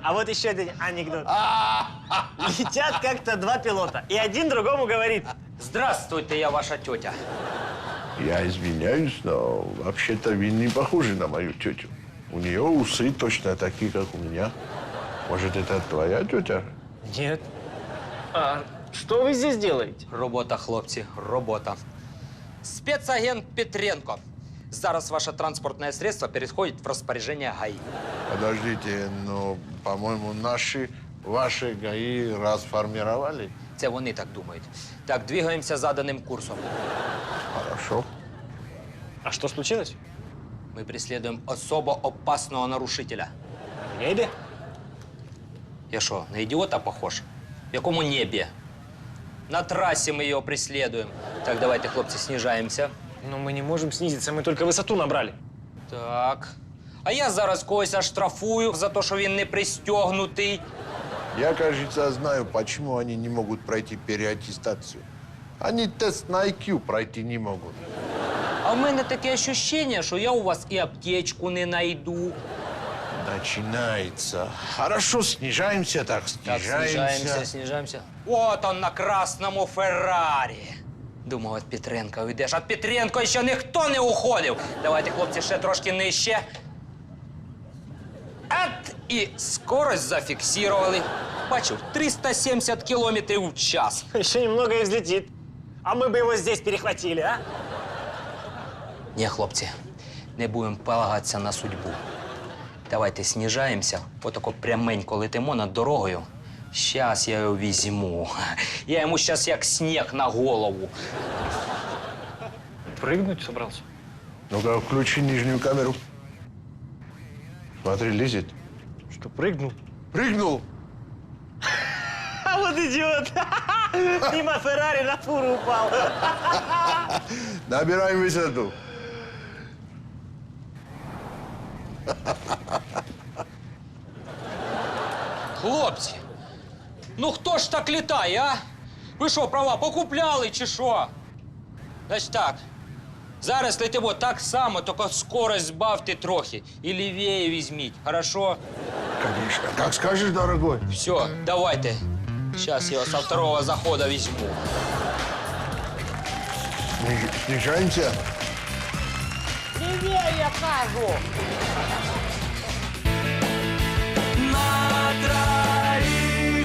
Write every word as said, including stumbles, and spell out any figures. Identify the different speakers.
Speaker 1: А вот еще один анекдот. Летят как-то два пилота, и один другому говорит:
Speaker 2: Здравствуйте, я ваша тетя.
Speaker 3: Я извиняюсь, но вообще-то вы не похожи на мою тетю. У нее усы точно такие, как у меня. Может, это твоя тетя?
Speaker 1: Нет. А что вы здесь делаете?
Speaker 2: Робота, хлопці, робота. Спецагент Петренко. Зараз ваше транспортное средство переходит в распоряжение ГАИ.
Speaker 3: Подождите, но, по-моему, наши, ваши ГАИ расформировали.
Speaker 2: Це вони так думають. Так, двигаемся заданным курсом.
Speaker 3: Хорошо.
Speaker 1: А что случилось?
Speaker 2: Мы преследуем особо опасного нарушителя.
Speaker 1: В небе?
Speaker 2: Я что, на идиота похож? В якому небе? На трассе мы ее преследуем. Так, давайте, хлопцы, снижаемся.
Speaker 1: Но мы не можем снизиться, мы только высоту набрали.
Speaker 2: Так. А я зараз когось оштрафую за то, що він не пристегнутий.
Speaker 3: Я, кажется, знаю, почему они не могут пройти переаттестацию. Они тест на ай кью пройти не могут.
Speaker 2: А в мене таке ощущение, що я у вас і аптечку не найду.
Speaker 3: Начинается. Хорошо, снижаемся, так,
Speaker 2: Так,
Speaker 3: снижаемся.
Speaker 2: снижаемся, снижаемся. Вот он на красному Феррарі. Думав, від Петренка уйдеш. Від Петренко ще ніхто не уходив. Давайте, хлопці, ще трошки нижче. От, і скорость зафіксували. Бачив, триста сімдесят кілометрів в час.
Speaker 1: Еще немного и взлетит. А мы бы его здесь перехватили, а?
Speaker 2: Ні, хлопці, не будемо полагатися на судьбу. Давайте снижаємося, отако пряменько летимо над дорогою. Щас я його візьму. Я йому щас як сніг на голову.
Speaker 1: Прыгнуть собрался?
Speaker 3: Ну-ка, включи нижнюю камеру. Смотри, лезет.
Speaker 1: Что, прыгнул?
Speaker 3: Прыгнул.
Speaker 1: А вот идиот! Мимо Феррари на фуру упал.
Speaker 3: Набираем высоту.
Speaker 2: Хлопці, ну хто ж так літає, а? Ви що, права покупляли чи що? Значить так, зараз летимо так само, тільки скорость збавте трохи. І лівіє візьміть, хорошо?
Speaker 3: Конечно. Как скажешь, дорогой.
Speaker 2: Все, давайте. Сейчас я его со второго захода возьму.
Speaker 3: Сниж- Снижаемся.
Speaker 2: Левее, я кажу! На